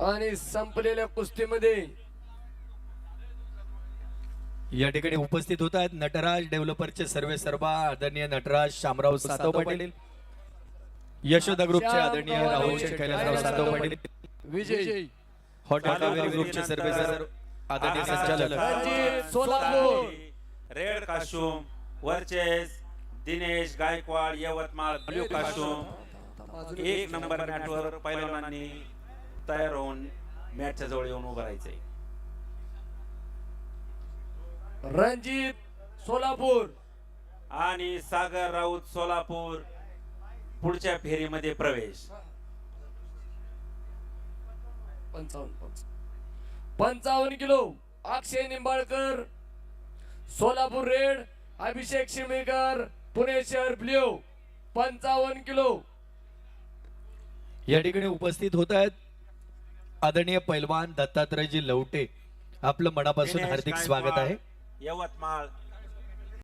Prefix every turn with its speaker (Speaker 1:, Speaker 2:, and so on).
Speaker 1: आणि संपलेल्या कुस्तीमध्ये
Speaker 2: या ठिकाणी उपस्थित होत आहेत नटराज डेव्हलपरचे सर्वेसर्वा आदरणीय नटराज शामराव सातव पाटील, यशोदा ग्रुपचे आदरणीय राहुल शेठ कैलासराव सातव पाटील,
Speaker 1: विजय
Speaker 2: हॉटेल कावेरी ग्रुपचे सर्वेसर्वा आदरणीय संचालक
Speaker 1: Ranjit Solapur,
Speaker 3: red costume versus Dinesh Gaikwad Yavatmal blue costume 1 number मॅटवर पैलवानांनी तयार होऊन मॅचच्या जवळ येऊन उभं राहायचंय.
Speaker 1: रणजित सोलापूर
Speaker 3: आणि सागर राऊत सोलापूर पुढच्या फेरीमध्ये प्रवेश.
Speaker 1: 55 किलो अक्षय निंबाळकर सोलापूर रेड, अभिषेक शिमेकर पुणे शहर ब्ल्यू 55 किलो.
Speaker 2: या ठिकाणी उपस्थित होत आहेत आदरणीय पैलवान दत्तात्रयजी लवटे, आपलं मनापासून
Speaker 3: दिनेश
Speaker 2: हार्दिक
Speaker 3: गायकवाड,
Speaker 2: स्वागत आहे.
Speaker 3: यवतमाळ